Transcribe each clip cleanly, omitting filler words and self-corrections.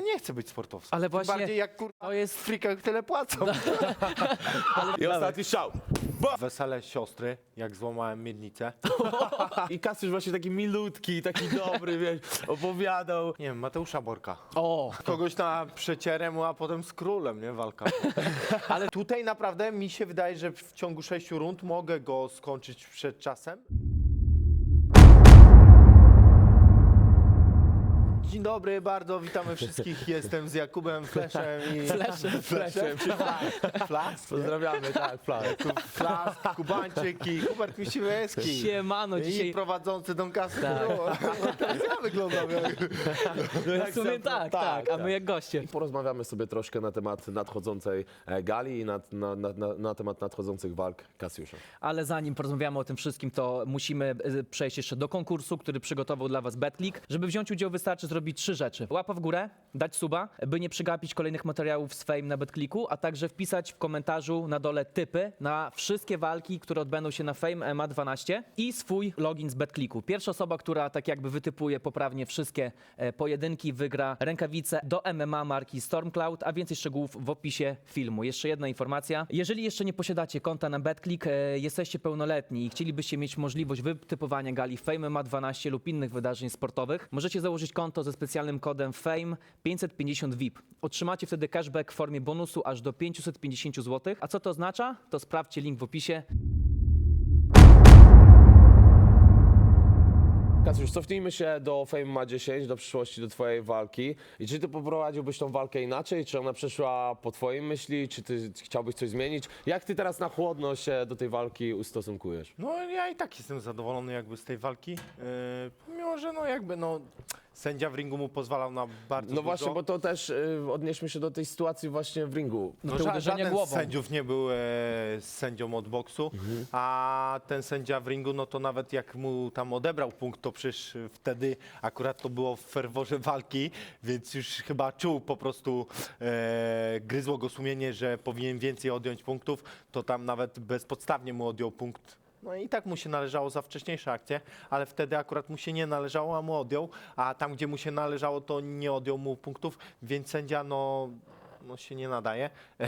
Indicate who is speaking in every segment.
Speaker 1: nie chcę być sportowcem.
Speaker 2: Ale
Speaker 1: Tym
Speaker 2: właśnie
Speaker 1: bardziej jak kurwa
Speaker 2: to jest...
Speaker 1: w frikach tyle płacą.
Speaker 3: I ostatni strzał.
Speaker 1: Wesele siostry, jak złamałem miednicę.
Speaker 3: I Kasiusz właśnie taki milutki, taki dobry, wiesz, opowiadał.
Speaker 1: Nie wiem, Mateusza Borka.
Speaker 2: O,
Speaker 1: Kogoś na przecierę mu, a potem z królem, nie? Walka. Ale tutaj naprawdę mi się wydaje, że w ciągu 6 rund mogę go skończyć przed czasem. Dzień dobry, bardzo witamy wszystkich. Jestem z Jakubem Fleszem i...
Speaker 2: Fleszem.
Speaker 1: Flask?
Speaker 3: Pozdrawiamy, tak, plan.
Speaker 1: Flask, Kubańczyk i Hubert Misiłewski.
Speaker 2: siemano,
Speaker 1: I
Speaker 2: dzisiaj...
Speaker 1: prowadzący Don Casy.
Speaker 2: Tak.
Speaker 1: Ja wyglądam jak...
Speaker 2: W sumie tak, a my jak goście.
Speaker 3: Porozmawiamy sobie troszkę na temat nadchodzącej gali i na temat nadchodzących walk Kasiusza.
Speaker 2: Ale zanim porozmawiamy o tym wszystkim, to musimy przejść jeszcze do konkursu, który przygotował dla was BetClick. Żeby wziąć udział, wystarczy zrobić 3 rzeczy. Łapa w górę, dać suba, by nie przegapić kolejnych materiałów z Fame na BetClicku, a także wpisać w komentarzu na dole typy na wszystkie walki, które odbędą się na Fame MMA 12 i swój login z BetClicku. Pierwsza osoba, która tak jakby wytypuje poprawnie wszystkie pojedynki, wygra rękawice do MMA marki Stormcloud, a więcej szczegółów w opisie filmu. Jeszcze jedna informacja. Jeżeli jeszcze nie posiadacie konta na BetClick, jesteście pełnoletni i chcielibyście mieć możliwość wytypowania gali Fame MMA 12 lub innych wydarzeń sportowych, możecie założyć konto ze specjalnym kodem FAME 550 VIP. Otrzymacie wtedy cashback w formie bonusu aż do 550 zł. A co to oznacza? To sprawdźcie link w opisie.
Speaker 3: Kasiusz, cofnijmy się do Fame MMA 10, do przyszłości, do twojej walki. I czy ty poprowadziłbyś tą walkę inaczej? Czy ona przeszła po twojej myśli? Czy ty chciałbyś coś zmienić? Jak ty teraz na chłodno się do tej walki ustosunkujesz?
Speaker 1: No ja i tak jestem zadowolony jakby z tej walki, mimo że no jakby no sędzia w ringu mu pozwalał na bardzo
Speaker 3: No
Speaker 1: dużo.
Speaker 3: właśnie, bo to też odnieśmy się do tej sytuacji właśnie w ringu.
Speaker 2: No te uderzenia
Speaker 1: Żaden z
Speaker 2: głową.
Speaker 1: sędziów nie był sędzią od boksu, a ten sędzia w ringu, no to nawet jak mu tam odebrał punkt, to przecież wtedy akurat to było w ferworze walki, więc już chyba czuł po prostu, gryzło go sumienie, że powinien więcej odjąć punktów, to tam nawet bezpodstawnie mu odjął punkt. No i tak mu się należało za wcześniejsze akcje, ale wtedy akurat mu się nie należało, a mu odjął, a tam, gdzie mu się należało, to nie odjął mu punktów, więc sędzia no się nie nadaje,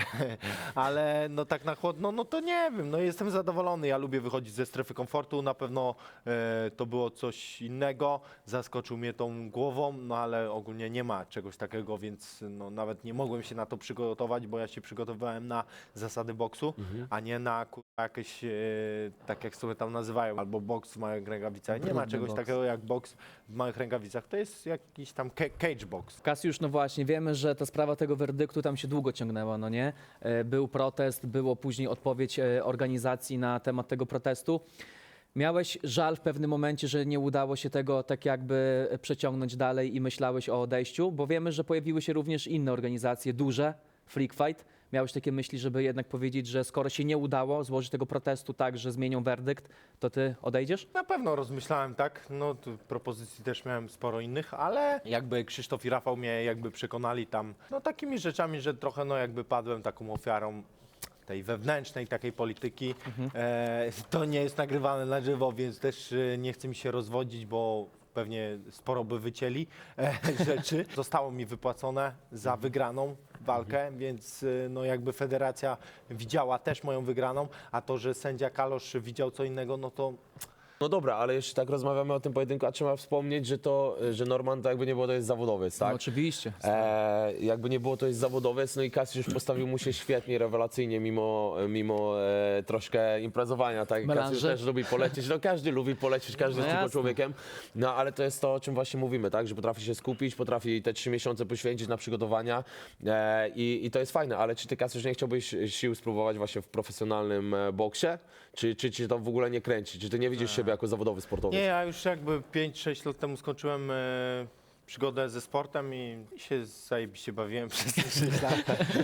Speaker 1: ale no tak na chłodno, no to nie wiem, no jestem zadowolony, ja lubię wychodzić ze strefy komfortu, na pewno to było coś innego, zaskoczył mnie tą głową, no ale ogólnie nie ma czegoś takiego, więc no nawet nie mogłem się na to przygotować, bo ja się przygotowywałem na zasady boksu, a nie na jakieś, tak jak sobie tam nazywają, albo boks w małych rękawicach. Nie ma czegoś takiego jak boks w małych rękawicach, to jest jakiś tam cage box.
Speaker 2: Kasiusz, no właśnie, wiemy, że ta sprawa tego werdyktu tam się długo ciągnęła, no nie? Był protest, było później odpowiedź organizacji na temat tego protestu. Miałeś żal w pewnym momencie, że nie udało się tego tak jakby przeciągnąć dalej i myślałeś o odejściu? Bo wiemy, że pojawiły się również inne organizacje, duże, Freak Fight. Miałeś takie myśli, żeby jednak powiedzieć, że skoro się nie udało złożyć tego protestu tak, że zmienią werdykt, to ty odejdziesz?
Speaker 1: Na pewno rozmyślałem tak, no tu propozycji też miałem sporo innych, ale jakby Krzysztof i Rafał mnie jakby przekonali tam, no takimi rzeczami, że trochę no jakby padłem taką ofiarą tej wewnętrznej takiej polityki. To nie jest nagrywane na żywo, więc też nie chcę mi się rozwodzić, bo pewnie sporo by wycięli rzeczy. Zostało mi wypłacone za wygraną walkę, więc no jakby federacja widziała też moją wygraną, a to, że sędzia Kalosz widział co innego, no to...
Speaker 3: No dobra, ale jeśli tak rozmawiamy o tym pojedynku, a trzeba wspomnieć, że Norman to jakby nie było, to jest zawodowiec, tak?
Speaker 2: No, oczywiście.
Speaker 3: Jakby nie było, to jest zawodowiec, no i Kasiusz postawił mu się świetnie, rewelacyjnie, mimo troszkę imprezowania, tak?
Speaker 2: Melanże.
Speaker 3: Kasiusz też lubi polecieć, no każdy lubi polecieć, każdy
Speaker 2: No
Speaker 3: jest tylko
Speaker 2: jasne.
Speaker 3: człowiekiem, no ale to jest to, o czym właśnie mówimy, tak? Że potrafi się skupić, potrafi te 3 miesiące poświęcić na przygotowania i to jest fajne, ale czy ty, Kasiusz, nie chciałbyś sił spróbować właśnie w profesjonalnym boksie? Czy cię to w ogóle nie kręci? Czy ty nie widzisz siebie jako zawodowy sportowiec?
Speaker 1: Nie, ja już jakby 5-6 lat temu skończyłem przygodę ze sportem i się zajebiście bawiłem przez te 6 lat.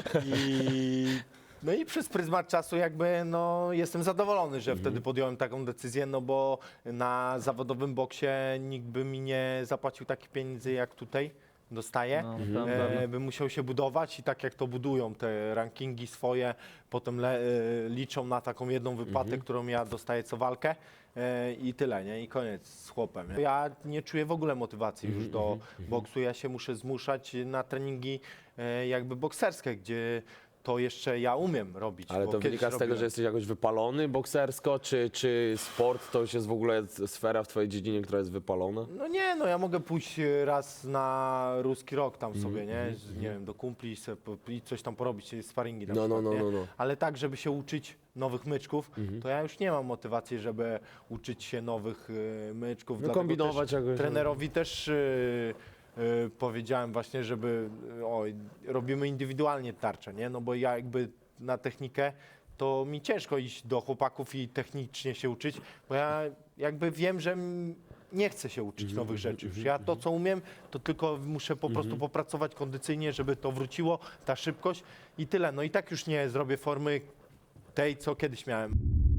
Speaker 1: No i przez pryzmat czasu jakby no jestem zadowolony, że wtedy podjąłem taką decyzję, no bo na zawodowym boksie nikt by mi nie zapłacił takich pieniędzy jak tutaj. dostaje,
Speaker 2: No, prawda.
Speaker 1: by musiał się budować i tak jak to budują te rankingi swoje, potem liczą na taką jedną wypłatę, którą ja dostaję co walkę i tyle, nie? I koniec z chłopem. Nie? Ja nie czuję w ogóle motywacji już do boksu, ja się muszę zmuszać na treningi jakby bokserskie, gdzie to jeszcze ja umiem robić.
Speaker 3: Ale
Speaker 1: bo
Speaker 3: to
Speaker 1: kiedyś
Speaker 3: wynika z tego,
Speaker 1: robiłem.
Speaker 3: że jesteś jakoś wypalony boksersko, czy sport to już jest w ogóle sfera w twojej dziedzinie, która jest wypalona?
Speaker 1: No nie, no ja mogę pójść raz na ruski rok tam sobie, nie? Nie wiem, do kumpli i coś tam porobić, sparingi na przykład, nie?
Speaker 3: No.
Speaker 1: Ale tak, żeby się uczyć nowych myczków, to ja już nie mam motywacji, żeby uczyć się nowych myczków.
Speaker 3: No
Speaker 1: Dlatego
Speaker 3: kombinować
Speaker 1: też
Speaker 3: jakoś.
Speaker 1: trenerowi też powiedziałem właśnie, żeby robimy indywidualnie tarczę, nie? No bo ja jakby na technikę to mi ciężko iść do chłopaków i technicznie się uczyć, bo ja jakby wiem, że nie chcę się uczyć nowych rzeczy już. Ja to, co umiem, to tylko muszę po prostu popracować kondycyjnie, żeby to wróciło, ta szybkość i tyle. No i tak już nie zrobię formy tej, co kiedyś miałem.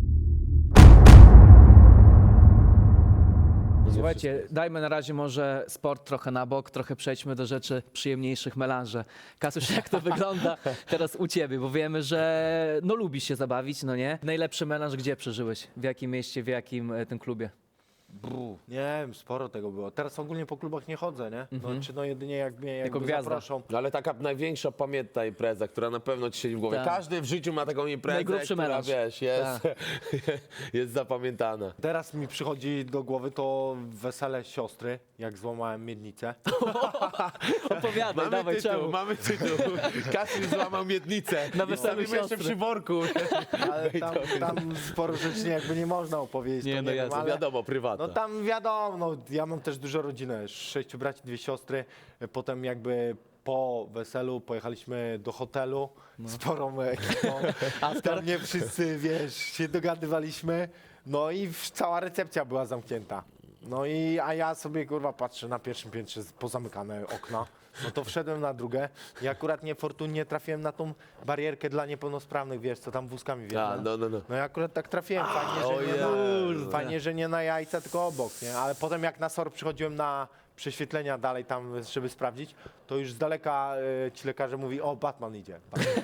Speaker 2: Słuchajcie, dajmy na razie może sport trochę na bok, trochę przejdźmy do rzeczy przyjemniejszych, melanże. Kasiusz, jak to wygląda teraz u ciebie? Bo wiemy, że no lubisz się zabawić, no nie? Najlepszy melanż gdzie przeżyłeś? W jakim mieście, w jakim tym klubie?
Speaker 1: Nie wiem, sporo tego było. Teraz ogólnie po klubach nie chodzę, nie? No, czy no jedynie jak mnie jakby
Speaker 2: gwiazda.
Speaker 1: zaproszą.
Speaker 3: No ale taka największa pamiętna impreza, która na pewno ci siedzi w głowie.
Speaker 2: Tak.
Speaker 3: Każdy w życiu ma taką imprezę,
Speaker 2: Najgrubszy
Speaker 3: która
Speaker 2: melanż.
Speaker 3: wiesz, jest zapamiętana.
Speaker 1: Teraz mi przychodzi do głowy to wesele siostry, jak złamałem miednicę.
Speaker 2: Opowiadaj, dawaj, czemu?
Speaker 3: mamy tytuł. Kasiusz złamał miednicę.
Speaker 2: Na
Speaker 3: I
Speaker 2: weselu
Speaker 3: stawimy jeszcze
Speaker 2: siostry.
Speaker 3: przy worku.
Speaker 1: Ale tam sporo rzeczy jakby nie można opowiedzieć.
Speaker 2: Nie,
Speaker 1: to
Speaker 2: no
Speaker 1: wiem,
Speaker 2: jasne,
Speaker 1: ale...
Speaker 3: Wiadomo, prywatna.
Speaker 1: No tam wiadomo, no, ja mam też dużo rodzinę, 6 braci, 2 siostry. Potem jakby po weselu pojechaliśmy do hotelu z sporą ekipą. Tam nie wszyscy, wiesz, się dogadywaliśmy. No i cała recepcja była zamknięta. No i, a ja sobie, kurwa, patrzę na pierwszym piętrze pozamykane okna. No to wszedłem na drugie i akurat niefortunnie trafiłem na tą barierkę dla niepełnosprawnych, wiesz, co tam wózkami wjeżdża.
Speaker 3: No.
Speaker 1: No i akurat tak trafiłem, fajnie, że nie na jajca, tylko obok, nie? Ale potem jak na SOR przychodziłem na prześwietlenia dalej tam, żeby sprawdzić, to już z daleka ci lekarze mówi, o, Batman idzie.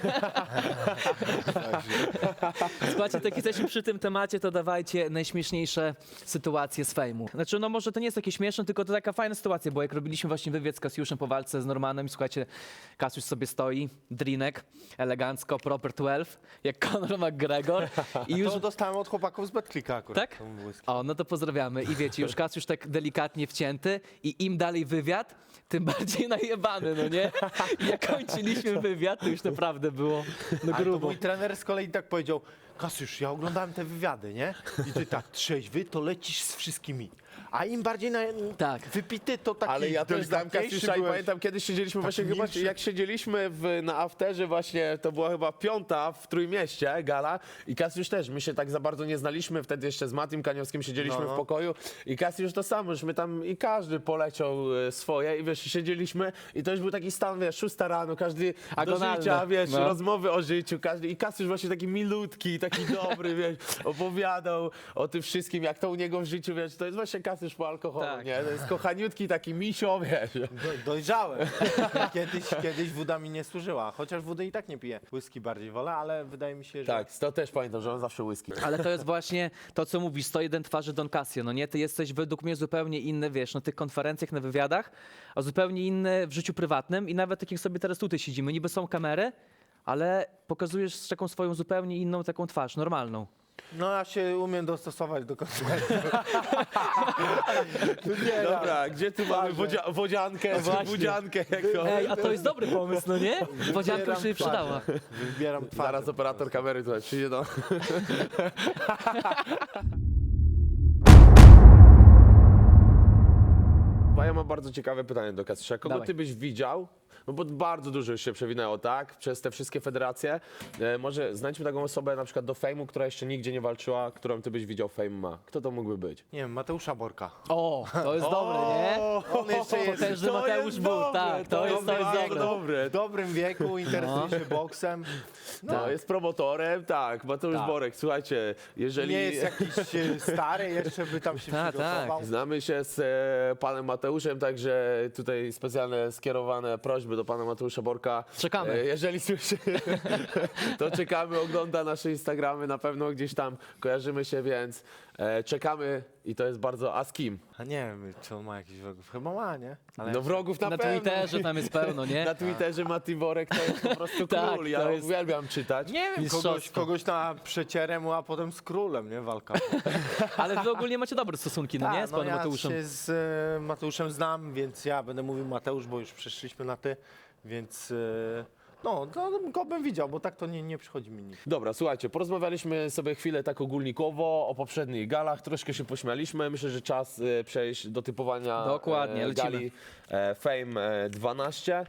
Speaker 2: Słuchajcie, tak jak jesteśmy przy tym temacie, to dawajcie najśmieszniejsze sytuacje z fejmu. Znaczy, no może to nie jest takie śmieszne, tylko to taka fajna sytuacja, bo jak robiliśmy właśnie wywiad z Kasiuszem po walce z Normanem i słuchajcie, Kasiusz sobie stoi, drinek, elegancko, proper 12, jak Conor McGregor i już...
Speaker 1: To dostałem od chłopaków z Betclicka akurat.
Speaker 2: Tak?
Speaker 1: tą whisky.
Speaker 2: O, no to pozdrawiamy. I wiecie, już Kasiusz tak delikatnie wcięty i im dalej wywiad, tym bardziej najebany, no nie? I jak kończyliśmy wywiad, to już naprawdę było no
Speaker 1: Ale to
Speaker 2: grubo.
Speaker 1: mój trener z kolei tak powiedział, Kasiusz, ja oglądałem te wywiady, nie? I ty tak trzeźwy, to lecisz z wszystkimi. A im bardziej
Speaker 2: Tak.
Speaker 1: wypity, to taki
Speaker 3: Ale ja też znałem
Speaker 1: delikatniejszy
Speaker 3: Kasiusza i
Speaker 1: byłeś.
Speaker 3: pamiętam, kiedyś siedzieliśmy właśnie chyba,
Speaker 1: milszy.
Speaker 3: jak siedzieliśmy na afterze właśnie, to była chyba 5. w Trójmieście gala i Kasiusz też, my się tak za bardzo nie znaliśmy, wtedy jeszcze z Matim Kaniowskim siedzieliśmy
Speaker 1: No.
Speaker 3: w pokoju i Kasiusz to samo, już my tam i każdy poleciał swoje i wiesz, siedzieliśmy i to już był taki stan, wiesz, 6 rano, każdy do
Speaker 2: Agonalne.
Speaker 3: życia, wiesz,
Speaker 2: No.
Speaker 3: rozmowy o życiu, każdy i Kasiusz właśnie taki milutki, taki dobry, wiesz, opowiadał o tym wszystkim, jak to u niego w życiu, wiesz, to jest właśnie Kasiusz po alkoholu,
Speaker 2: Tak.
Speaker 3: nie? To jest kochaniutki taki misio, wiesz.
Speaker 1: Dojrzałem. Kiedyś woda mi nie służyła, chociaż wody i tak nie piję. Whisky bardziej wolę, ale wydaje mi się, że...
Speaker 3: Tak, to też pamiętam, że on zawsze whisky.
Speaker 2: Ale to jest właśnie to, co mówisz, 101 twarzy Don Casio, no nie? Ty jesteś według mnie zupełnie inny, wiesz, na tych konferencjach, na wywiadach, a zupełnie inny w życiu prywatnym i nawet tak jak sobie teraz tutaj siedzimy, niby są kamery, ale pokazujesz taką swoją zupełnie inną taką twarz, normalną.
Speaker 1: No ja się umiem dostosować do koncertu.
Speaker 3: Dobra, gdzie tu mamy wodziankę,
Speaker 2: właśnie.
Speaker 3: budziankę? Jak to?
Speaker 2: Ej, a to jest dobry pomysł, no nie? Wodzianka już się przydała.
Speaker 1: Wybieram twarz.
Speaker 3: Zaraz operator kamery tutaj przyjdzie do... Ja mam bardzo ciekawe pytanie do Kasiusza. Kogo
Speaker 2: Dawaj.
Speaker 3: ty byś widział no bo bardzo dużo już się przewinęło, tak? Przez te wszystkie federacje. Może znajdźmy taką osobę na przykład do Fejmu, która jeszcze nigdzie nie walczyła, którą ty byś widział Fame ma. Kto to mógłby być?
Speaker 1: Nie wiem, Mateusza Borka.
Speaker 2: O, to jest dobre, nie?
Speaker 1: On jeszcze jest
Speaker 2: Potężny Mateusz Bóg, tak, to jest dobre.
Speaker 1: w dobrym wieku, interesuje się boksem.
Speaker 3: No, jest promotorem, tak, Mateusz
Speaker 2: Tak.
Speaker 3: Borek, słuchajcie, jeżeli...
Speaker 1: Nie jest jakiś stary, jeszcze by tam się
Speaker 2: Tak,
Speaker 1: przygotował.
Speaker 3: Znamy się z panem Mateuszem, także tutaj specjalne skierowane prośby do pana Mateusza Borka.
Speaker 2: Czekamy.
Speaker 3: Jeżeli słyszy, to czekamy, ogląda nasze Instagramy, na pewno gdzieś tam kojarzymy się, więc czekamy i to jest bardzo... A z kim?
Speaker 1: A nie wiem, czy on ma jakiś wrogów. Chyba ma, nie? Ale
Speaker 3: No wrogów na
Speaker 2: Na
Speaker 3: pewno.
Speaker 2: Twitterze tam jest pełno, nie?
Speaker 3: Na Twitterze Mati Borek to jest po prostu
Speaker 2: Tak,
Speaker 3: król, ja
Speaker 2: to jest-
Speaker 3: uwielbiam czytać.
Speaker 1: nie wiem,
Speaker 2: Mistrzostwo.
Speaker 1: kogoś na przecierem, a potem z królem, nie? Walka.
Speaker 2: Ale wy ogólnie macie dobre stosunki, no nie? Z panem
Speaker 1: ja
Speaker 2: Mateuszem.
Speaker 1: się z Mateuszem znam, więc ja będę mówił Mateusz, bo już przeszliśmy na ty, więc no, to go bym widział, bo tak to nie przychodzi mi nic.
Speaker 3: Dobra, słuchajcie, porozmawialiśmy sobie chwilę tak ogólnikowo o poprzednich galach, troszkę się pośmialiśmy. Myślę, że czas przejść do typowania
Speaker 2: Dokładnie, lecimy.
Speaker 3: gali Fame 12.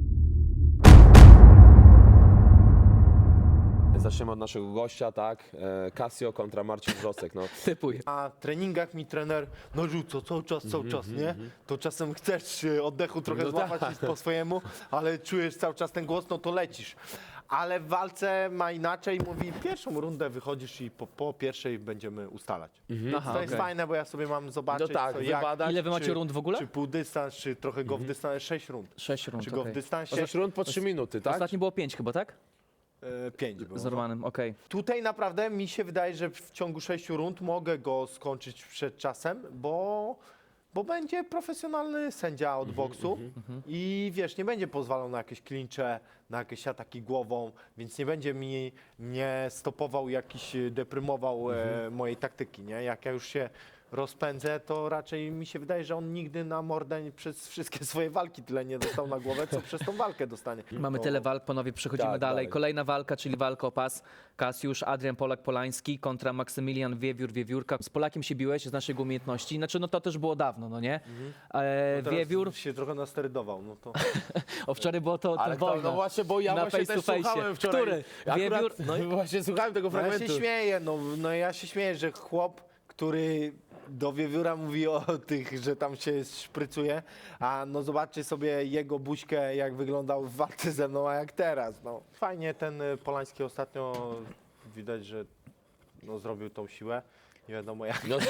Speaker 3: Zaczniemy od naszego gościa, tak? Casio kontra Marcin Wrzosek. No.
Speaker 2: Typuj.
Speaker 1: Na treningach mi trener rzuca cały czas, nie? To czasem chcesz oddechu trochę
Speaker 3: No
Speaker 1: złapać
Speaker 3: tak.
Speaker 1: po swojemu, ale czujesz cały czas ten głos, no to lecisz. Ale w walce ma inaczej, mówi pierwszą rundę wychodzisz i po pierwszej będziemy ustalać.
Speaker 2: Aha,
Speaker 1: To jest
Speaker 2: okej.
Speaker 1: fajne, bo ja sobie mam zobaczyć,
Speaker 3: No tak,
Speaker 1: co, jak,
Speaker 3: wybadać.
Speaker 2: Ile wy macie
Speaker 1: czy-
Speaker 2: rund w ogóle?
Speaker 1: Czy pół dystans, czy trochę go w dystansie, 6 rund.
Speaker 2: 6 rund,
Speaker 1: Czy go w
Speaker 2: okej.
Speaker 1: dystansie
Speaker 3: 6 rund po 3 minuty, tak?
Speaker 2: Ostatnio było 5 chyba, tak?
Speaker 1: 5 było.
Speaker 2: Z Romanem, okej.
Speaker 1: Tutaj naprawdę mi się wydaje, że w ciągu 6 rund mogę go skończyć przed czasem, bo będzie profesjonalny sędzia od boksu i wiesz, nie będzie pozwalał na jakieś klincze, na jakieś ataki głową, więc nie będzie mnie stopował, jakiś deprymował mojej taktyki, nie? Jak ja już się rozpędzę, to raczej mi się wydaje, że on nigdy na mordę przez wszystkie swoje walki tyle nie dostał na głowę, co przez tą walkę dostanie.
Speaker 2: Mamy
Speaker 1: To-
Speaker 2: tyle walk, panowie, przechodzimy
Speaker 3: Tak,
Speaker 2: dalej.
Speaker 3: dalej.
Speaker 2: Kolejna walka, czyli walka o pas. Kasiusz, Adrian Polak-Polański kontra Maksymilian Wiewiór-Wiewiórka. Z Polakiem się biłeś z naszych umiejętności. Znaczy, no to też było dawno, no nie?
Speaker 1: Teraz
Speaker 2: Wiewiór,
Speaker 1: się trochę nasterydował, no to...
Speaker 2: o wczoraj było to
Speaker 3: Ale
Speaker 2: ten
Speaker 3: kto,
Speaker 2: wojna.
Speaker 3: no właśnie, bo ja
Speaker 2: Na
Speaker 3: właśnie
Speaker 2: face
Speaker 3: też
Speaker 2: to face.
Speaker 3: słuchałem wczoraj.
Speaker 2: Który?
Speaker 3: Akurat,
Speaker 2: Wiewiór?
Speaker 3: no i właśnie słuchałem tego
Speaker 1: No ja
Speaker 3: fragmentu.
Speaker 1: się śmieję, no ja się śmieję, że chłop, który do Wiewióra mówi o tych, że tam się szprycuje, a no zobaczcie sobie jego buźkę, jak wyglądał w walce ze mną, a jak teraz. No. Fajnie ten Polański ostatnio widać, że no, zrobił tą siłę. Nie wiadomo jak.
Speaker 3: No,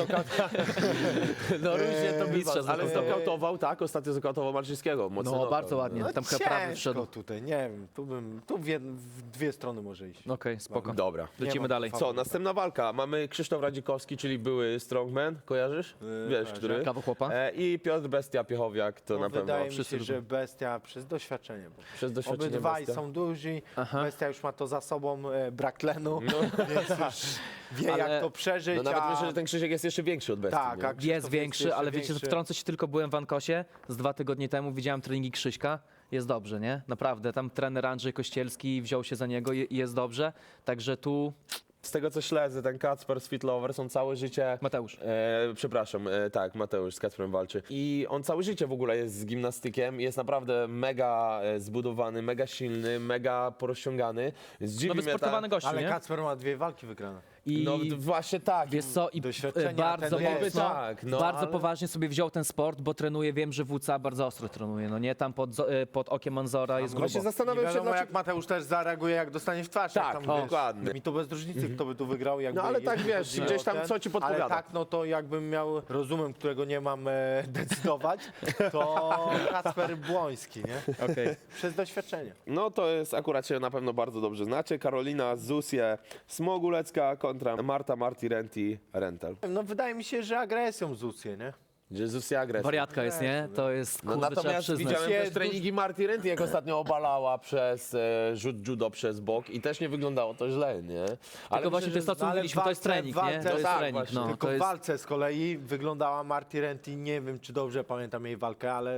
Speaker 3: no różnie to
Speaker 2: mistrza
Speaker 3: bywa, ale
Speaker 2: znokautował.
Speaker 3: znokautował, tak? Ostatnio znokautował Marczyńskiego. Mocny
Speaker 2: No,
Speaker 3: knockout.
Speaker 2: bardzo ładnie.
Speaker 1: No,
Speaker 2: Tam chyba prawy
Speaker 1: ciężko
Speaker 2: wszedł.
Speaker 1: tutaj, nie wiem, tu w dwie strony może iść.
Speaker 2: Okej, spoko.
Speaker 3: Dobra.
Speaker 2: Lecimy
Speaker 1: ma
Speaker 2: dalej.
Speaker 1: faworyta.
Speaker 3: Co, następna walka. Mamy Krzysztof Radzikowski, czyli były strongman, kojarzysz? Wiesz,
Speaker 1: kojarzę.
Speaker 3: który?
Speaker 2: Kawał chłopa.
Speaker 3: I Piotr Bestia Piechowiak, to
Speaker 1: No,
Speaker 3: na pewno
Speaker 1: wydaje mi
Speaker 2: wszyscy
Speaker 1: się, że Bestia przez doświadczenie. Bo
Speaker 3: przez doświadczenie
Speaker 1: obydwaj
Speaker 3: Bestia.
Speaker 1: są duzi,
Speaker 2: Aha.
Speaker 1: Bestia już ma to za sobą, brak tlenu, więc już wie
Speaker 2: Ale-
Speaker 1: jak to przeżyć.
Speaker 3: No nawet
Speaker 1: a...
Speaker 3: myślę, że ten Krzysiek jest jeszcze większy od Bestii.
Speaker 1: Tak,
Speaker 3: nie?
Speaker 1: a Krzysztof
Speaker 2: Jest większy,
Speaker 1: jeszcze
Speaker 2: ale wiecie,
Speaker 1: większy.
Speaker 2: wtrącę się tylko, byłem w Ankosie z 2 tygodnie temu, widziałem treningi Krzyśka, jest dobrze, nie? Naprawdę, tam trener Andrzej Kościelski wziął się za niego i jest dobrze, także tu
Speaker 3: Z tego co śledzę, ten Kacper z Fit Lovers, on całe życie...
Speaker 2: Mateusz.
Speaker 3: Przepraszam, tak, Mateusz z Kacprem walczy. I on całe życie w ogóle jest z gimnastykiem, jest naprawdę mega zbudowany, mega silny, mega porozciągany. Zdziwi
Speaker 2: No
Speaker 3: mnie
Speaker 2: wysportowany gościu,
Speaker 1: Ale
Speaker 2: nie?
Speaker 1: Kacper ma 2 walki wygrane.
Speaker 2: I
Speaker 3: No właśnie tak.
Speaker 2: wiesz co, i
Speaker 1: Doświadczenia,
Speaker 2: bardzo
Speaker 1: ten jest.
Speaker 2: mocno,
Speaker 3: Tak, no,
Speaker 2: bardzo
Speaker 3: ale-
Speaker 2: poważnie sobie wziął ten sport, bo trenuje, wiem, że WCA bardzo ostro trenuje, no nie? Tam pod okiem Manzora jest
Speaker 3: Właśnie
Speaker 2: grubo.
Speaker 1: Nie
Speaker 3: zastanawiam się,
Speaker 1: wiadomo
Speaker 3: dlaczego...
Speaker 1: jak Mateusz też zareaguje, jak dostanie w twarz.
Speaker 3: Tak,
Speaker 1: jak
Speaker 3: dokładnie.
Speaker 1: Mi to bez różnicy, kto by tu wygrał. Jakby,
Speaker 3: No ale tak,
Speaker 1: jeśli
Speaker 3: wiesz,
Speaker 1: chodzi o
Speaker 3: gdzieś tam co ci podpowiada.
Speaker 1: Ale tak, no to jakbym miał rozumem, którego nie mam decydować, to Kacper Błoński, nie?
Speaker 2: Okej.
Speaker 1: Przez doświadczenie.
Speaker 3: No to jest akurat się na pewno bardzo dobrze znacie. Karolina Zusie Smogulecka kontra Marta Marti Renti Rental.
Speaker 1: No wydaje mi się, że agresją Zucję, nie?
Speaker 3: Gdzie Zusia agresja.
Speaker 2: Wariatka jest, nie? To jest,
Speaker 3: No
Speaker 2: kurde, trzeba
Speaker 3: natomiast
Speaker 2: przyznać.
Speaker 3: widziałem
Speaker 1: Jest
Speaker 3: też treningi Marti Renti, jak ostatnio obalała przez rzut judo przez bok i też nie wyglądało to źle, nie? Ale
Speaker 2: Tylko właśnie to jest to, co
Speaker 1: ale
Speaker 2: mówiliśmy, to jest
Speaker 1: w walce-
Speaker 2: trening,
Speaker 1: w
Speaker 2: nie?
Speaker 1: walce-
Speaker 2: To jest
Speaker 3: tak,
Speaker 2: trening,
Speaker 3: właśnie.
Speaker 2: no.
Speaker 1: Tylko
Speaker 2: To
Speaker 1: w
Speaker 2: jest...
Speaker 1: walce z kolei wyglądała Marti Renti, nie wiem czy dobrze pamiętam jej walkę, ale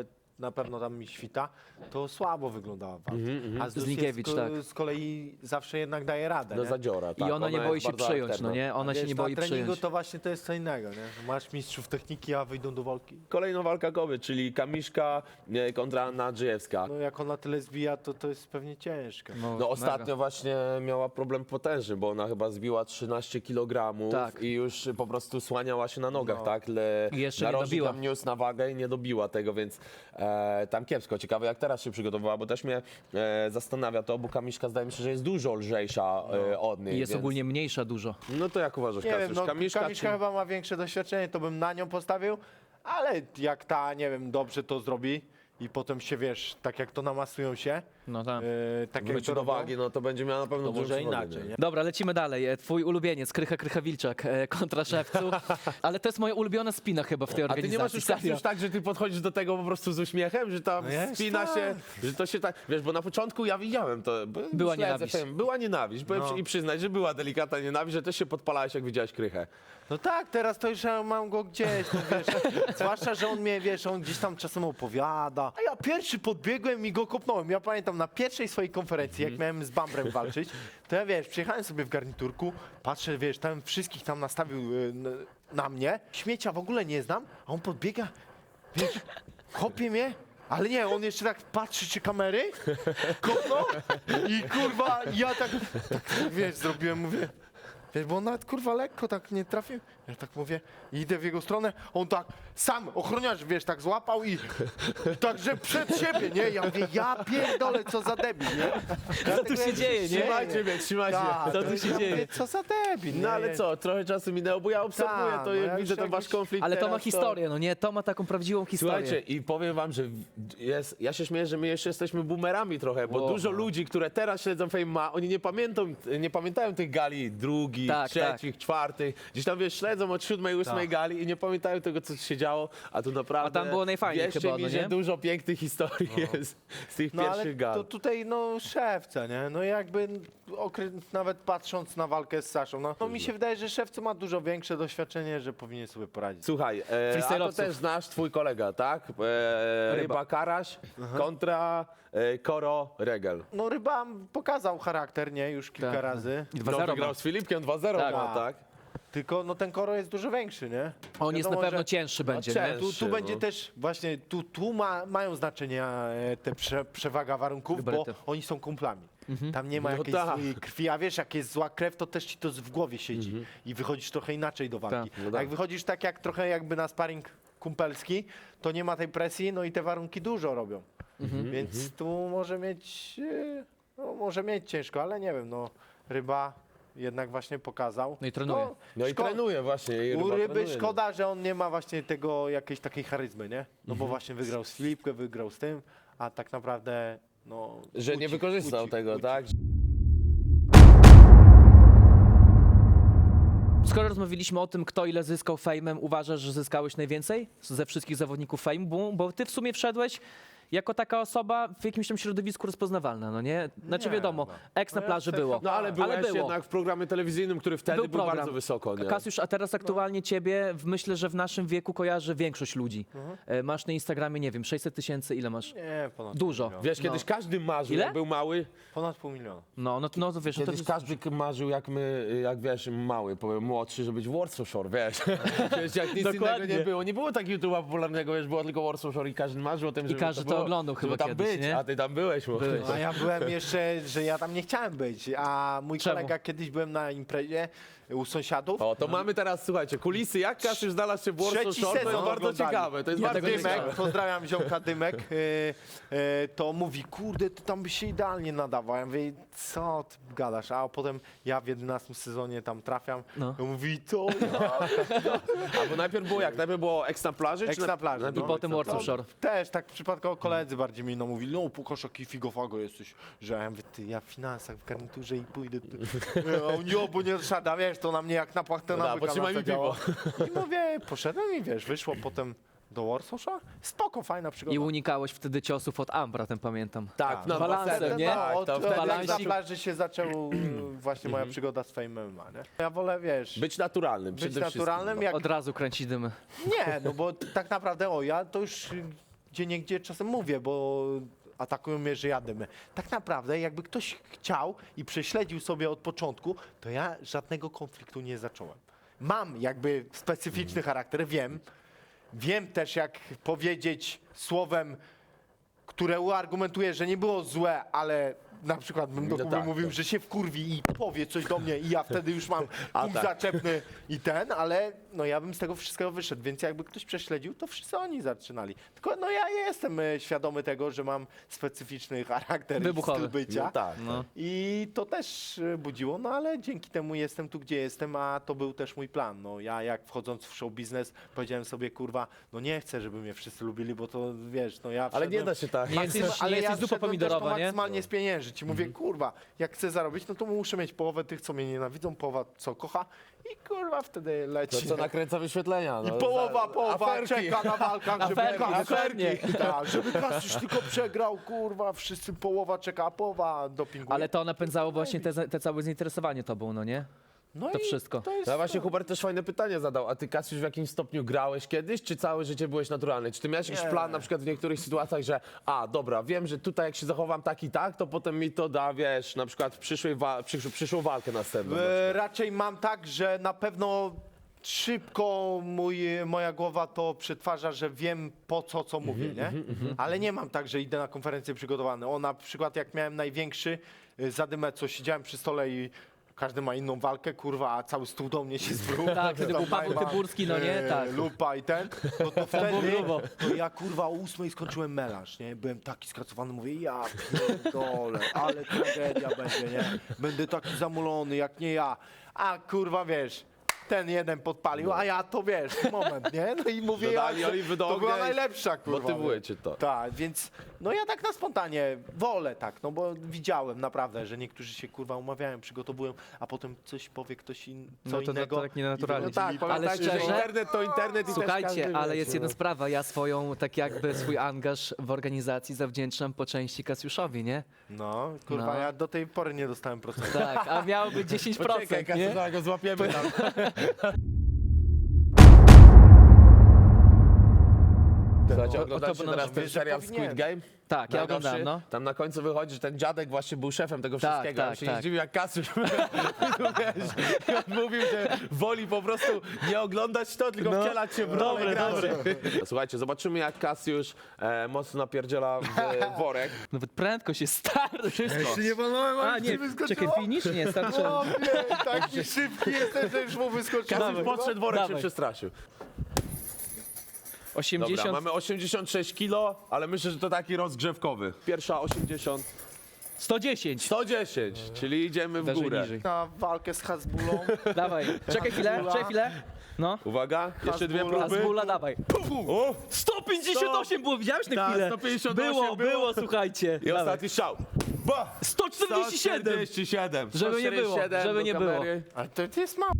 Speaker 1: na pewno tam mi świta, to słabo wyglądała walka. A
Speaker 2: Znikiewicz, tak.
Speaker 1: z kolei zawsze jednak daje radę,
Speaker 3: No
Speaker 1: nie?
Speaker 3: zadziora, tak.
Speaker 2: I ona nie
Speaker 3: jest
Speaker 2: boi się
Speaker 3: bardzo
Speaker 2: przyjąć,
Speaker 3: aktywna.
Speaker 2: no nie? Ona się
Speaker 1: Wiesz,
Speaker 2: nie boi
Speaker 1: na treningu
Speaker 2: przyjąć.
Speaker 1: to właśnie to jest co innego, nie? Masz mistrzów techniki, a wyjdą do walki.
Speaker 3: Kolejna walka kobiet, czyli Kamiszka kontra Anna Andrzejewska.
Speaker 1: No jak ona tyle zbija, to jest pewnie ciężkie.
Speaker 3: No ostatnio właśnie miała problem potężny, bo ona chyba zbiła 13 kg
Speaker 2: Tak.
Speaker 3: i już po prostu słaniała się na nogach,
Speaker 1: No.
Speaker 3: tak?
Speaker 2: I jeszcze nie
Speaker 3: narożnik
Speaker 2: dobiła.
Speaker 3: tam niósł na wagę i nie dobiła tego, więc tam kiepsko. Ciekawe jak teraz się przygotowała, bo też mnie zastanawia to, bo Kamiszka zdaje mi się, że jest dużo lżejsza od niej.
Speaker 2: I jest
Speaker 3: więc...
Speaker 2: ogólnie mniejsza dużo.
Speaker 3: No to jak uważasz,
Speaker 1: Nie wiem,
Speaker 3: Kasiusz?
Speaker 1: no
Speaker 3: Kamiszka czy...
Speaker 1: Kamiszka chyba ma większe doświadczenie, to bym na nią postawił, ale jak ta, nie wiem, dobrze to zrobi i potem się, wiesz, tak jak to namasują się,
Speaker 2: No tak.
Speaker 1: tak jak
Speaker 3: wróci
Speaker 1: to
Speaker 3: do
Speaker 1: robią,
Speaker 3: wagi, no to będzie miała na pewno
Speaker 1: to może
Speaker 3: dużą przewagę,
Speaker 1: inaczej, nie?
Speaker 2: Dobra, lecimy dalej. Twój ulubieniec, Krycha Wilczak kontra Szewcu. Ale to jest moja ulubiona spina chyba w tej
Speaker 3: A ty
Speaker 2: organizacji.
Speaker 3: nie masz już
Speaker 2: serio.
Speaker 3: tak, że ty podchodzisz do tego po prostu z uśmiechem, że tam
Speaker 1: No jest
Speaker 3: spina
Speaker 1: tak.
Speaker 3: się, że to się tak, wiesz, bo na początku ja widziałem to, bo
Speaker 2: Była
Speaker 3: śledzę
Speaker 2: nienawiść.
Speaker 3: film, była nienawiść,
Speaker 1: No.
Speaker 3: i przyznać, że była delikatna nienawiść, że też się podpalałeś, jak widziałeś Krychę.
Speaker 1: No tak, teraz to już ja mam go gdzieś, no wiesz, zwłaszcza, że on mnie, wiesz, on gdzieś tam czasem opowiada, a ja pierwszy podbiegłem i go kopnąłem. Ja pamiętam na pierwszej swojej konferencji, jak miałem z Bambrem walczyć, to ja, wiesz, przyjechałem sobie w garniturku, patrzę, wiesz, tam wszystkich tam nastawił na mnie, śmiecia w ogóle nie znam, a on podbiega, wiesz, kopie mnie, ale nie, on jeszcze tak patrzy, czy kamery, kopnął i kurwa, ja tak wiesz, zrobiłem, mówię, wiesz, bo on nawet kurwa lekko tak nie trafił. Ja tak mówię, idę w jego stronę, on tak sam, ochroniarz, wiesz, tak złapał i także przed siebie, nie? Ja mówię, ja pierdolę, co za debil, nie?
Speaker 2: Co tu się dzieje, nie?
Speaker 3: Trzymajcie mnie, trzymajcie.
Speaker 1: Tak,
Speaker 2: Co tu się
Speaker 1: ja
Speaker 2: dzieje?
Speaker 1: mówię, co za debil,
Speaker 3: No
Speaker 1: nie?
Speaker 3: ale co, trochę czasu minęło, bo ja obserwuję
Speaker 1: Tak,
Speaker 3: to,
Speaker 1: no
Speaker 3: jak
Speaker 1: ja
Speaker 3: widzę
Speaker 1: już
Speaker 3: ten wasz
Speaker 1: jakiś-
Speaker 3: konflikt
Speaker 2: Ale to ma
Speaker 3: teraz,
Speaker 2: historię, no nie? To ma taką prawdziwą historię.
Speaker 3: Słuchajcie, i powiem wam, że ja się śmieję, że my jeszcze jesteśmy boomerami trochę, bo
Speaker 2: Wow.
Speaker 3: dużo ludzi, które teraz śledzą Fame ma, oni nie pamiętają tych gali drugich,
Speaker 2: Tak,
Speaker 3: trzecich, czwartych. Gdzieś tam, wiesz, śledzą od 7, 8
Speaker 1: Tak.
Speaker 3: gali i nie pamiętają tego, co się działo, a tu naprawdę...
Speaker 2: A tam było najfajniej
Speaker 3: wierzcie
Speaker 2: chyba,
Speaker 3: mi,
Speaker 2: no
Speaker 3: że
Speaker 2: nie?
Speaker 3: dużo pięknych historii jest z tych
Speaker 1: No ale
Speaker 3: pierwszych gal.
Speaker 1: to tutaj, no, Szewca, nie? No jakby, nawet patrząc na walkę z Saszą, no mi się wydaje, że Szewca ma dużo większe doświadczenie, że powinien sobie poradzić.
Speaker 3: Słuchaj, a to
Speaker 2: Freestyle'owców.
Speaker 3: też znasz twój kolega, tak? Ryba Karaś kontra Koro Regel.
Speaker 1: No Ryba pokazał charakter, nie? Już kilka
Speaker 2: Tak.
Speaker 1: razy.
Speaker 2: I
Speaker 3: No,
Speaker 2: 2-0
Speaker 3: wygrał
Speaker 2: ma.
Speaker 3: z Filipkiem 2-0
Speaker 2: Tak.
Speaker 3: ma, tak?
Speaker 1: Tylko no ten Koro jest dużo większy, nie?
Speaker 2: On jest na
Speaker 1: Wiadomo,
Speaker 2: pewno
Speaker 1: że
Speaker 2: cięższy będzie,
Speaker 3: cięższy.
Speaker 2: nie?
Speaker 1: Tu
Speaker 3: no.
Speaker 1: będzie też właśnie, tu mają znaczenie te przewaga warunków,
Speaker 2: Gabaryty.
Speaker 1: bo oni są kumplami. Tam nie ma
Speaker 3: No
Speaker 1: jakiejś
Speaker 3: tak.
Speaker 1: złej krwi, a wiesz, jak jest zła krew, to też ci to w głowie siedzi i wychodzisz trochę inaczej do walki.
Speaker 2: Tak.
Speaker 3: No
Speaker 1: A
Speaker 3: tak.
Speaker 1: jak wychodzisz tak jak trochę jakby na sparring kumpelski, to nie ma tej presji, no i te warunki dużo robią. Więc tu może mieć ciężko, ale nie wiem, no Ryba jednak właśnie pokazał.
Speaker 2: No i trenuje.
Speaker 3: No i trenuje właśnie. I
Speaker 1: U
Speaker 3: Ryba
Speaker 1: Ryby
Speaker 3: trenuje.
Speaker 1: szkoda, że on nie ma właśnie tego, jakiejś takiej charyzmy, nie? No bo właśnie wygrał z Filipkę, wygrał z tym, a tak naprawdę, no...
Speaker 3: Że nie wykorzystał tego, tak?
Speaker 2: Skoro rozmawialiśmy o tym, kto ile zyskał fejmem, uważasz, że zyskałeś najwięcej ze wszystkich zawodników fejmu? Bo ty w sumie wszedłeś jako taka osoba w jakimś tam środowisku rozpoznawalna, no nie? Znaczy
Speaker 1: Nie,
Speaker 2: wiadomo,
Speaker 1: no.
Speaker 2: eks na
Speaker 1: No ja
Speaker 2: plaży
Speaker 1: chcę-
Speaker 2: było.
Speaker 3: No ale byłeś
Speaker 2: było.
Speaker 3: jednak w programie telewizyjnym, który wtedy był,
Speaker 2: program.
Speaker 3: bardzo wysoko, nie?
Speaker 2: Kasiusz, a teraz aktualnie ciebie, myślę, że w naszym wieku kojarzy większość ludzi.
Speaker 1: Mhm.
Speaker 2: Masz na Instagramie, nie wiem, 600 000, ile masz?
Speaker 1: Nie, ponad
Speaker 2: Dużo.
Speaker 1: pół miliona.
Speaker 3: Wiesz, kiedyś każdy marzył,
Speaker 2: Ile?
Speaker 3: jak był mały.
Speaker 1: Ponad pół miliona.
Speaker 2: No to wiesz, no to
Speaker 3: Kiedyś każdy marzył, jak wiesz, mały, powiem młodszy, żeby być w Warsaw Shore, wiesz. Wiesz, jak nic
Speaker 2: Dokładnie.
Speaker 3: innego nie było. Nie było tak YouTube'a popularnego, wiesz, było tylko Warsaw Shore i każdy marzył o tym, żeby
Speaker 2: każdy to
Speaker 3: było,
Speaker 2: oglądał
Speaker 3: żeby
Speaker 2: chyba
Speaker 3: tam
Speaker 2: kiedyś,
Speaker 3: być,
Speaker 2: nie?
Speaker 3: a ty tam byłeś.
Speaker 2: Byłeś.
Speaker 1: A ja byłem jeszcze, że ja tam nie chciałem być, a mój
Speaker 2: Czemu?
Speaker 1: kolega kiedyś byłem na imprezie u sąsiadów.
Speaker 3: O, to mamy teraz, słuchajcie, kulisy, jak Kasiusz znalazł się w Warsaw
Speaker 1: Trzeci
Speaker 3: Shore, to
Speaker 1: sezon
Speaker 3: jest bardzo
Speaker 1: oglądali.
Speaker 3: ciekawe. To jest
Speaker 2: Ja
Speaker 3: bardzo
Speaker 2: tego nie
Speaker 3: ciekawe.
Speaker 1: Dymek, pozdrawiam ziomka Dymek, to mówi, kurde, ty tam byś się idealnie nadawał. Ja mówię, co ty gadasz? A potem ja w 11 sezonie tam trafiam.
Speaker 2: No.
Speaker 1: On mówi, to ja.
Speaker 3: Albo najpierw było jak? Najpierw było Eks na plaży?
Speaker 1: Eks na plaży,
Speaker 3: najpierw
Speaker 1: no.
Speaker 3: było
Speaker 2: potem
Speaker 3: Eks na
Speaker 2: Warsaw
Speaker 3: plaży.
Speaker 2: Shore.
Speaker 1: Też tak przypadkowo koledzy bardziej mi mówili, no Pukasz, jaki figofago jesteś, że ja mówię, ty, ja w finansach, w garniturze i pójdę. A on, jo, bo nie szada, wiesz, to na mnie jak na płachtę
Speaker 3: No da,
Speaker 1: nawyka
Speaker 3: potrzymaj mi
Speaker 1: nastawiało. I mówię, poszedłem i wiesz, wyszło potem do Warsaw'a, spoko, fajna przygoda.
Speaker 2: I unikałeś wtedy ciosów od Ambra, ten pamiętam.
Speaker 3: Tak, na
Speaker 2: Balansem,
Speaker 3: basenem,
Speaker 2: nie?
Speaker 3: Tak,
Speaker 1: od
Speaker 3: to
Speaker 1: wtedy
Speaker 3: wtedy
Speaker 2: balansik.
Speaker 1: na plaży się zaczął właśnie moja przygoda z Fame MMA, nie? Ja wolę, wiesz,
Speaker 3: być naturalnym
Speaker 1: być
Speaker 3: przede wszystkim.
Speaker 1: naturalnym, jak
Speaker 2: Od razu kręci dymy.
Speaker 1: nie, no bo tak naprawdę, ja to już gdzieniegdzie czasem mówię, bo atakują mnie, że jadę. Tak naprawdę, jakby ktoś chciał i prześledził sobie od początku, to ja żadnego konfliktu nie zacząłem. Mam jakby specyficzny charakter, wiem też jak powiedzieć słowem, które uargumentuje, że nie było złe, ale na przykład bym do
Speaker 3: No
Speaker 1: Kuby
Speaker 3: tak,
Speaker 1: mówił,
Speaker 3: tak.
Speaker 1: że się wkurwi i powie coś do mnie i ja wtedy już mam punkt
Speaker 3: tak.
Speaker 1: zaczepny i ale no ja bym z tego wszystkiego wyszedł, więc jakby ktoś prześledził, to wszyscy oni zaczynali. Tylko no ja jestem świadomy tego, że mam specyficzny charakter
Speaker 2: Wybuchowy.
Speaker 1: i styl bycia.
Speaker 3: No tak.
Speaker 2: No.
Speaker 1: I to też budziło, no ale dzięki temu jestem tu, gdzie jestem, a to był też mój plan. No ja jak wchodząc w show biznes powiedziałem sobie, kurwa, no nie chcę, żeby mnie wszyscy lubili, bo to wiesz, no ja
Speaker 3: Ale nie
Speaker 1: wszedłem-
Speaker 3: da się tak.
Speaker 2: Nie jesteś,
Speaker 1: ale
Speaker 2: nie
Speaker 1: ja
Speaker 2: jesteś zupa
Speaker 1: wszedłem
Speaker 2: pomidorowa,
Speaker 1: też to
Speaker 2: nie?
Speaker 1: maksymalnie spieniężyć i mówię, kurwa, jak chcę zarobić, no to muszę mieć połowę tych, co mnie nienawidzą, połowa, co kocha i kurwa wtedy
Speaker 3: To
Speaker 1: leci.
Speaker 3: co nakręca wyświetlenia.
Speaker 1: I
Speaker 3: No,
Speaker 1: połowa
Speaker 3: aferki.
Speaker 1: czeka na walkach, żeby
Speaker 2: Aferki,
Speaker 1: Tak, żeby Kasiusz tylko przegrał, kurwa, wszyscy połowa czeka, a połowa dopinguje.
Speaker 2: Ale to napędzało właśnie te całe zainteresowanie tobą, no nie?
Speaker 1: no
Speaker 2: to
Speaker 1: i
Speaker 2: wszystko.
Speaker 1: To jest
Speaker 3: No właśnie Hubert też fajne pytanie zadał, a ty Kasiusz w jakimś stopniu grałeś kiedyś, czy całe życie byłeś naturalny? Czy ty miałeś jakiś
Speaker 1: Nie.
Speaker 3: plan na przykład w niektórych sytuacjach, że dobra, wiem, że tutaj jak się zachowam tak i tak, to potem mi to da, wiesz, na przykład przyszłą walkę następną.
Speaker 1: Raczej mam tak, że na pewno szybko moja głowa to przetwarza, że wiem po co mówię, nie? Ale nie mam tak, że idę na konferencję przygotowany. Na przykład jak miałem największy zadymę, co siedziałem przy stole i każdy ma inną walkę, kurwa, a cały stół do mnie się zwrócił.
Speaker 2: Tak, wtedy był Paweł Tyburski, no nie? Tak.
Speaker 1: Lupa i no to wtedy
Speaker 2: grubo.
Speaker 1: to ja kurwa o 8 skończyłem melanż, nie? Byłem taki skracowany, mówię, ja pierdolę, ale tragedia będzie, nie? Będę taki zamulony, jak nie ja. A kurwa, wiesz, ten jeden podpalił, a ja to wiesz, moment, nie? No i mówię,
Speaker 3: Dodali oliwy do
Speaker 1: to była
Speaker 3: ognia i
Speaker 1: najlepsza, kurwa.
Speaker 3: motywuje
Speaker 1: wiesz.
Speaker 3: cię to.
Speaker 1: Tak, więc no ja tak na spontanie wolę tak, no bo widziałem naprawdę, że niektórzy się kurwa umawiają, przygotowują, a potem coś powie ktoś co
Speaker 2: No to
Speaker 1: innego.
Speaker 2: tak nienaturalnie.
Speaker 1: i
Speaker 3: No tak,
Speaker 1: wychodzi
Speaker 2: Ale
Speaker 3: pamiętajcie, że
Speaker 2: szczerze?
Speaker 3: internet to internet i też
Speaker 2: Słuchajcie,
Speaker 3: każdy,
Speaker 2: ale
Speaker 3: wiecie,
Speaker 2: jest jedna
Speaker 3: no.
Speaker 2: sprawa. Ja swój angaż w organizacji zawdzięczam po części Kasiuszowi, nie?
Speaker 1: No, kurwa,
Speaker 2: No.
Speaker 1: ja do tej pory nie dostałem procentu.
Speaker 2: Tak, a miałoby 10%,
Speaker 3: Poczekaj,
Speaker 2: nie?
Speaker 3: Kasiusz, zaraz go złapiemy tam. Słuchajcie,
Speaker 2: O-
Speaker 3: oglądacie
Speaker 2: o to
Speaker 3: teraz
Speaker 2: będą-
Speaker 3: ten serial
Speaker 1: powinien.
Speaker 3: Squid Game?
Speaker 2: Tak, ja
Speaker 3: Najnowszy?
Speaker 2: oglądałem, no.
Speaker 3: Tam na końcu wychodzi, że ten dziadek właśnie był szefem tego
Speaker 2: Tak,
Speaker 3: wszystkiego.
Speaker 2: tak,
Speaker 3: On się
Speaker 2: tak.
Speaker 3: nie zdziwił jak Kasiusz. Wiesz, on mówił, że woli po prostu nie oglądać to, tylko wcielać się w rolę graczy. Słuchajcie, zobaczymy jak Kasiusz mocno napierdziela w worek.
Speaker 2: Nawet prędkość jest stary, wszystko.
Speaker 1: nie wolałem,
Speaker 2: A nie, czekaj, finish? Nie, starczy.
Speaker 1: O nie, taki szybki jestem, że już mu wyskoczył.
Speaker 3: Kasiusz podszedł, worek się
Speaker 2: Dawaj.
Speaker 3: przestraszył.
Speaker 2: 80.
Speaker 3: Dobra, mamy 86 kilo, ale myślę, że to taki rozgrzewkowy. Pierwsza 80,
Speaker 2: 110.
Speaker 3: 110, czyli idziemy w
Speaker 2: Wyżej,
Speaker 3: górę.
Speaker 2: niżej.
Speaker 1: Na walkę z Hasbulą.
Speaker 2: Dawaj, czekaj chwilę. No.
Speaker 3: Uwaga, jeszcze dwie
Speaker 1: Hasbula.
Speaker 3: próby.
Speaker 2: Zbula, dawaj.
Speaker 3: O!
Speaker 2: 158 było, widziałeś na
Speaker 3: Tak,
Speaker 2: chwilę?
Speaker 3: 158
Speaker 2: Było, słuchajcie.
Speaker 3: I
Speaker 2: Dawaj.
Speaker 3: ostatni strzał. Ba!
Speaker 2: 147.
Speaker 3: 147.
Speaker 2: Żeby nie było,
Speaker 3: 147
Speaker 2: żeby
Speaker 3: do
Speaker 2: nie było.
Speaker 3: kamery.
Speaker 1: Ale to jest mało.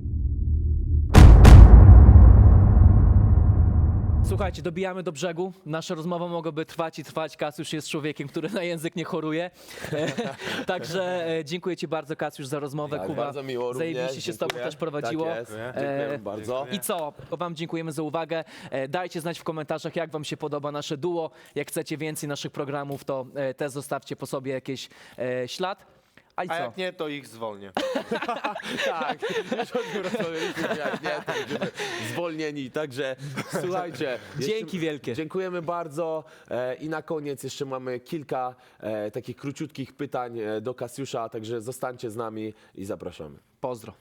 Speaker 2: Słuchajcie, dobijamy do brzegu. Nasza rozmowa mogłaby trwać i trwać. Kasiusz jest człowiekiem, który na język nie choruje. Także dziękuję Ci bardzo, Kasiusz, za rozmowę.
Speaker 3: Tak,
Speaker 2: Kuba,
Speaker 3: bardzo miło również.
Speaker 2: zajebiście się z Tobą
Speaker 3: dziękuję.
Speaker 2: też prowadziło.
Speaker 3: Tak jest. Dziękuję bardzo.
Speaker 2: I co? Wam dziękujemy za uwagę. Dajcie znać w komentarzach, jak Wam się podoba nasze duo. Jak chcecie więcej naszych programów, to też zostawcie po sobie jakiś ślad. A i
Speaker 1: A
Speaker 2: co?
Speaker 1: jak nie, to ich zwolnię.
Speaker 3: Tak, już o tym rozmawialiśmy, jak nie, to będziemy zwolnieni. Także słuchajcie.
Speaker 2: Dzięki wielkie.
Speaker 3: Dziękujemy bardzo. I na koniec jeszcze mamy kilka takich króciutkich pytań do Kasiusza, także zostańcie z nami i zapraszamy.
Speaker 2: Pozdro.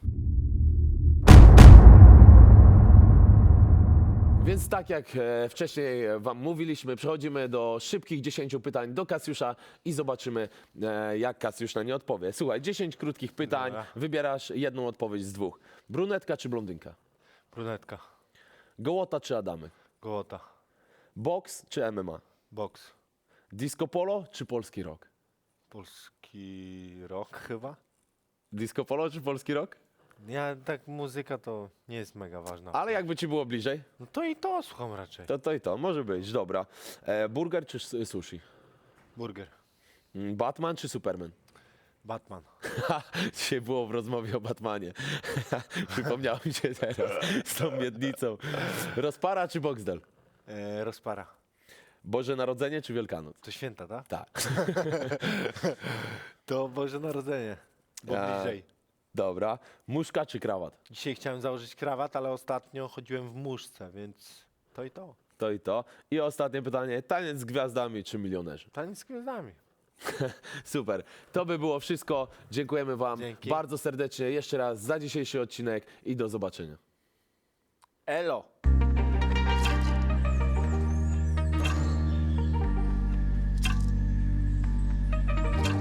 Speaker 3: Więc tak jak wcześniej Wam mówiliśmy, przechodzimy do szybkich 10 pytań do Kasiusza i zobaczymy, jak Kasiusz na nie odpowie. Słuchaj, 10 krótkich pytań,
Speaker 1: Dobra.
Speaker 3: wybierasz jedną odpowiedź z dwóch. Brunetka czy blondynka?
Speaker 1: Brunetka,
Speaker 3: Gołota czy Adamy?
Speaker 1: gołota,
Speaker 3: Boks czy MMA?
Speaker 1: boks,
Speaker 3: Disco polo czy polski rock?
Speaker 1: polski rock chyba.
Speaker 3: Disco polo czy polski rock?
Speaker 1: Ja tak, muzyka to nie jest mega ważna.
Speaker 3: Ale jakby ci było bliżej,
Speaker 1: No to i to słucham raczej.
Speaker 3: to i to, może być, dobra. Burger czy sushi?
Speaker 1: Burger,
Speaker 3: Batman czy Superman?
Speaker 1: Batman,
Speaker 3: Dzisiaj było w rozmowie o Batmanie. Przypomniało mi się teraz z tą miednicą. Rozpara czy Boxdel?
Speaker 1: rozpara,
Speaker 3: Boże Narodzenie czy Wielkanoc?
Speaker 1: To święta, tak?
Speaker 3: Tak.
Speaker 1: To Boże Narodzenie, bo
Speaker 3: Ja-
Speaker 1: bliżej.
Speaker 3: Dobra. Muszka czy krawat?
Speaker 1: Dzisiaj chciałem założyć krawat, ale ostatnio chodziłem w muszce, więc to i to.
Speaker 3: To i to. I ostatnie pytanie. Taniec z gwiazdami czy milionerzy?
Speaker 1: Taniec z gwiazdami.
Speaker 3: Super. To by było wszystko. Dziękujemy Wam
Speaker 1: Dzięki.
Speaker 3: bardzo serdecznie jeszcze raz za dzisiejszy odcinek i do zobaczenia.
Speaker 1: Elo!